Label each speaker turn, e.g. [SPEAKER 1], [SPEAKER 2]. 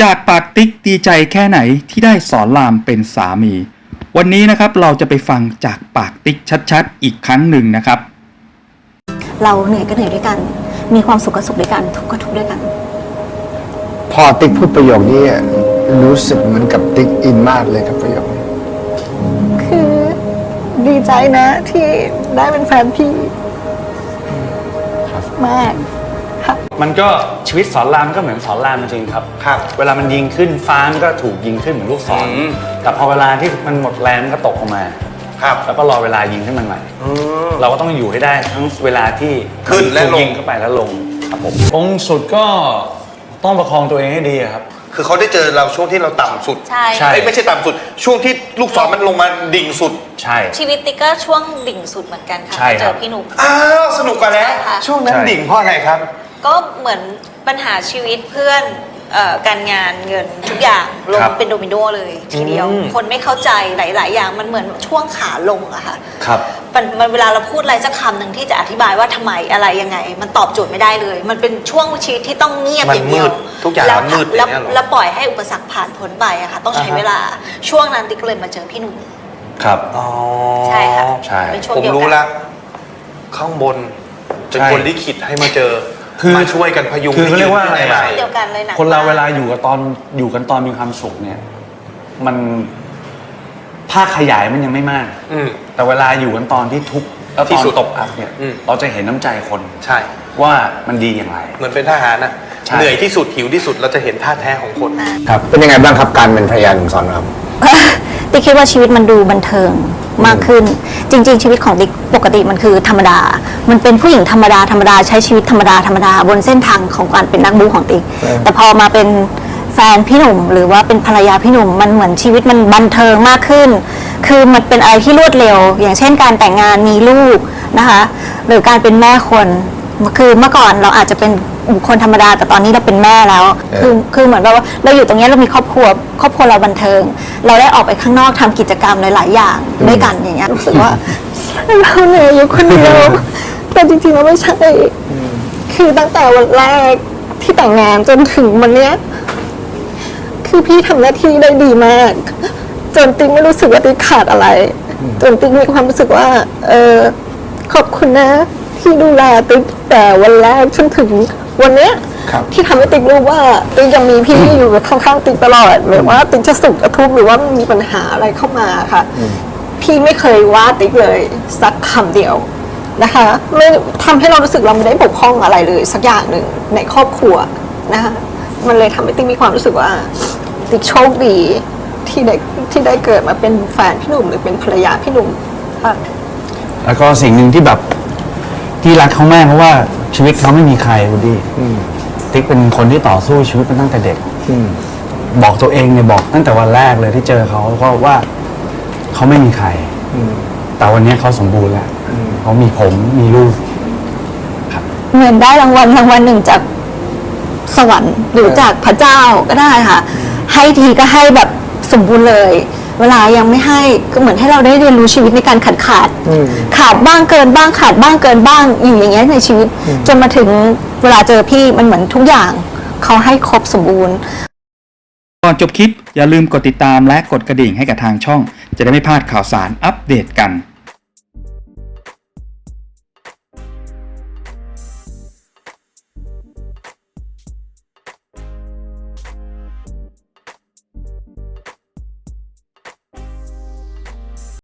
[SPEAKER 1] จากปากติ๊กดีใจแค่ไหนที่ได้สอนรามเป็นสามีวันนี้นะครับเราจะไปฟังจากปากติ๊กชัดๆอีกครั้งหนึ่งนะครับ
[SPEAKER 2] เราเหนื่อยก็เหนื่อยด้วยกันมีความสุขก็สุขด้วยกันทุกข์ก็ทุกข์ด้วยกัน
[SPEAKER 3] พอติ๊กพูดประโยคนี้รู้สึกเหมือนกับติ๊กอินมากเลยกับประโยคนี้
[SPEAKER 2] คือดีใจนะที่ได้เป็นแฟนพี่มาก
[SPEAKER 4] มันก็ชีวิตสอนรามก็เหมือนสอนรามจริงๆครับเวลามันยิงขึ้นฟ้ามันก็ถูกยิงขึ้นเหมือนลูกศรแต่พอเวลาที่มันหมดแรงมันก็ตกลงมาแล้วก็รอเวลายิงขึ้นมันใหม่เราก็ต้องอยู่ให้ได้ทั้งเวลาที่
[SPEAKER 5] ขึ้นและลง
[SPEAKER 4] ยิงเข้าไปแล้วลงครับผมองค์สุดก็ต้องประคองตัวเองให้ดีครับ
[SPEAKER 5] คือเขาได้เจอเราช่วงที่เราต่ำสุด
[SPEAKER 2] ใช่
[SPEAKER 5] ไม่ใช่ต่ำสุดช่วงที่ลูกศรมันลงมาดิ่งสุด
[SPEAKER 4] ใช่
[SPEAKER 2] ชีวิตติ๊กก็ช่วดิ่งสุดเหมือนกันค่ะเจอพี่หนุ่ม
[SPEAKER 5] สนุกกว่าแล้วช่วงนั้นดิ่งเพราะอะไรครับ
[SPEAKER 2] ก็เหมือนปัญหาชีวิตเพื่อนการงานเงินทุกอย่างลงเป็นโดมิโนเลยทีเดียวคนไม่เข้าใจหลายๆอย่างมันเหมือนช่วงขาลงอะค่ะ
[SPEAKER 4] ครับ
[SPEAKER 2] มันเวลาเราพูดอะไรสักคำหนึ่งที่จะอธิบายว่าทำไมอะไรยังไงมันตอบโจทย์ไม่ได้เลยมันเป็นช่วงชีวิตที่ต้องเงียบอย่างเดียว
[SPEAKER 5] ทุกอย่างมืด
[SPEAKER 2] แล้วปล่อยให้อุปสรรคผ่านพ้นไปอะค่ะต้องใช้เวลาช่วงนั้นติ๊กเลยมาเจอพี่หนุ่ม
[SPEAKER 4] ครับ
[SPEAKER 2] ใช่ค่ะ
[SPEAKER 5] ผมรู้ละข้างบนเป็นคนลิขิตให้มาเจอมาช่วยกันพยุง
[SPEAKER 4] คือเขาเรียกว่าอะไร
[SPEAKER 2] เดียวกันเลยนะ
[SPEAKER 4] คนเราเวลาอยู่กันตอนมีความสุขเนี่ยมันภาคขยายมันยังไม่มากแต่เวลาอยู่กันตอนที่ทุกข์แล้วตอนตกอับเนี่ยเราจะเห็นน้ำใจคน
[SPEAKER 5] ใช่
[SPEAKER 4] ว่ามันดีอย่างไร
[SPEAKER 5] เหมือนเป็นทหารนะเหนื่อยที่สุดหิวที่สุดเราจะเห็นท่าแท้ของคน
[SPEAKER 3] ครับเป็นยังไงบ้างครับการเป็นภรรยาหนุ่มสอนราม
[SPEAKER 2] ติ๊กคิดว่าชีวิตมันดูบันเทิงมากขึ้นจริงๆชีวิตของติ๊กปกติมันคือธรรมดามันเป็นผู้หญิงธรรมดาใช้ชีวิตธรรมดาบนเส้นทางของการเป็นนักบู๊ของติ๊กแต่พอมาเป็นแฟนพี่หนุ่มหรือว่าเป็นภรรยาพี่หนุ่มมันเหมือนชีวิตมันบันเทิงมากขึ้นคือมันเป็นอะไรที่รวดเร็วอย่างเช่นการแต่งงานมีลูกนะคะหรือการเป็นแม่คนคือเมื่อก่อนเราอาจจะเป็นบุคคลธรรมดาแต่ตอนนี้เราเป็นแม่แล้วคือเหมือนว่าเราอยู่ตรงนี้เรามีครอบครัวเราบันเทิงเราได้ออกไปข้างนอกทำกิจกรรมหลายๆอย่างด้วยกันอย่างเงี้ยรู้สึกว่าเราเหนื่อยอยู่คนเดียวแต่จริงๆเราไม่ใช่คือตั้งแต่วันแรกที่แต่งงานจนถึงวันเนี้ยคือพี่ทำหน้าที่ได้ดีมากจนติ๊กไม่รู้สึกว่าติ๊กขาดอะไรจนติ๊กมีความรู้สึกว่าขอบคุณนะที่ดูแลติ๊กแต่วันแรกจนถึงวันเนี้ยที่ทำให้ติ๊กรู้ว่าติ๊กยังมีพี่อยู่ข้างๆติ๊กตลอดไม่ว่าติ๊กจะสุขจะทุกข์หรือว่ามีปัญหาอะไรเข้ามาค่ะพี่ไม่เคยว่าติ๊กเลยสักคำเดียวนะคะไม่ทำให้เรารู้สึกเราไม่ได้บกพร่องอะไรเลยสักอย่างหนึ่งในครอบครัวนะคะมันเลยทำให้ติ๊กมีความรู้สึกว่าติ๊กโชคดีที่ได้เกิดมาเป็นแฟนพี่หนุ่มหรือเป็นภรรยาพี่หนุ่มค่ะ
[SPEAKER 4] แล้วก็สิ่งหนึ่งที่แบบที่รักเขามากเพราะว่าชีวิตเขาไม่มีใครวูดดี้ติ๊กเป็นคนที่ต่อสู้ชีวิตมาตั้งแต่เด็กบอกตัวเองเนี่ยบอกตั้งแต่วันแรกเลยที่เจอเขาก็ว่าเขาไม่มีใครแต่วันนี้เขาสมบูรณ์แล้วเขามีผมมีลูกครับ
[SPEAKER 2] เหมือนได้รางวัลหนึ่งจากสวรรค์หรือจากพระเจ้าก็ได้ค่ะให้ทีก็ให้แบบสมบูรณ์เลยเวลายังไม่ให้ก็เหมือนให้เราได้เรียนรู้ชีวิตในการขาดบ้างเกินบ้างขาดบ้างเกินบ้างอยู่อย่างเงี้ยในชีวิตจนมาถึงเวลาเจอพี่มันเหมือนทุกอย่างเขาให้ครบสมบูรณ์
[SPEAKER 1] ก่อนจบคลิปอย่าลืมกดติดตามและกดกระดิ่งให้กับทางช่องจะได้ไม่พลาดข่าวสารอัปเดตกัน